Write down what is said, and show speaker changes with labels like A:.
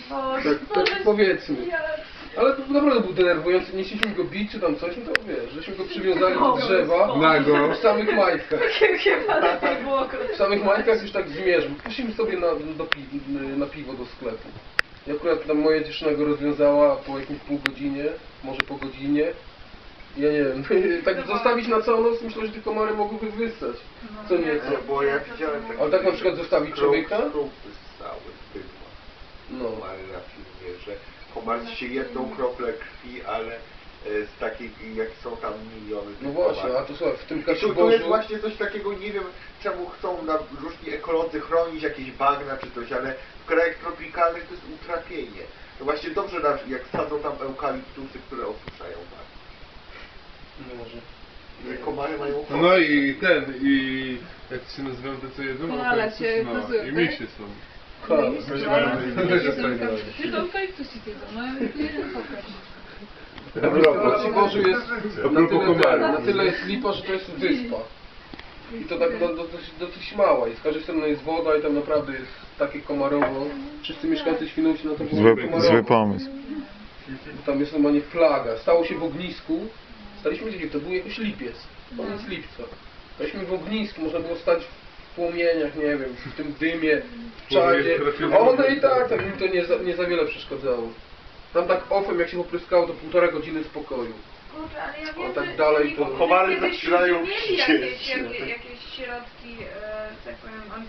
A: Tak powiedzmy. Ale to naprawdę był denerwujący, nie chcieliśmy go bić czy tam coś, no to wiesz, żeśmy go przywiązali do drzewa
B: Nago.
A: w samych majtkach. W samych majtkach już tak zmierzmy. Poszliśmy sobie na piwo do sklepu. I akurat tam moja dziewczyna go rozwiązała po jakimś pół godzinie, może po godzinie. Ja nie wiem, tak zostawić na całą noc, myślę, że te komary mogłyby wyssać. Co nieco.
C: Bo ja widziałem takie...
A: Ale tak na przykład zostawić człowieka?
C: Krupy stały, bydła.
A: No.
C: Komary na filmie, że komar się jedną kroplę krwi, ale z takich, jak są tam miliony tych
A: No właśnie,
C: komarów.
A: a to słuchaj, w tym
C: I tu jest
A: Kaszyborzu...
C: właśnie coś takiego, nie wiem czemu chcą różni ekolodzy chronić jakieś bagna czy coś, ale w krajach tropikalnych to jest utrapienie. To właśnie dobrze, jak sadzą tam eukaliptusy, które osuszają bagna.
A: Może.
C: Że komary mają ochotę.
B: No i jak się nazywają te co jedzą?
D: Koala się
B: No,
D: kazują,
B: i
D: tak?
B: misie są.
D: Tylko eukaliptusy jedzą, no jeden pokaż.
A: W Kaszyborzu jest na tyle jest lipa, że to jest wyspa. I to tak dosyć mała i z każdej strony jest woda i tam naprawdę jest takie komarowo. Wszyscy mieszkańcy Świnoujścia na to komarowo.
E: Zły pomysł.
A: Tam jest normalnie flaga. Stało się w ognisku. Staliśmy gdzie? To był jakoś lipiec. Koniec lipca. Staliśmy w ognisku, można było stać w płomieniach, nie wiem, w tym dymie, w czadzie. A one i tak im to nie za wiele przeszkadzało. Tam tak ofem jak się popryskało to 1,5 godziny spokoju.
D: Kurczę, ale ja
A: A
D: wiem,
A: tak
D: że
A: dalej to...
C: Komary
D: kiedyś
C: zaczynają
D: mieli
C: chcieć.
D: jakieś środki, że tak powiem,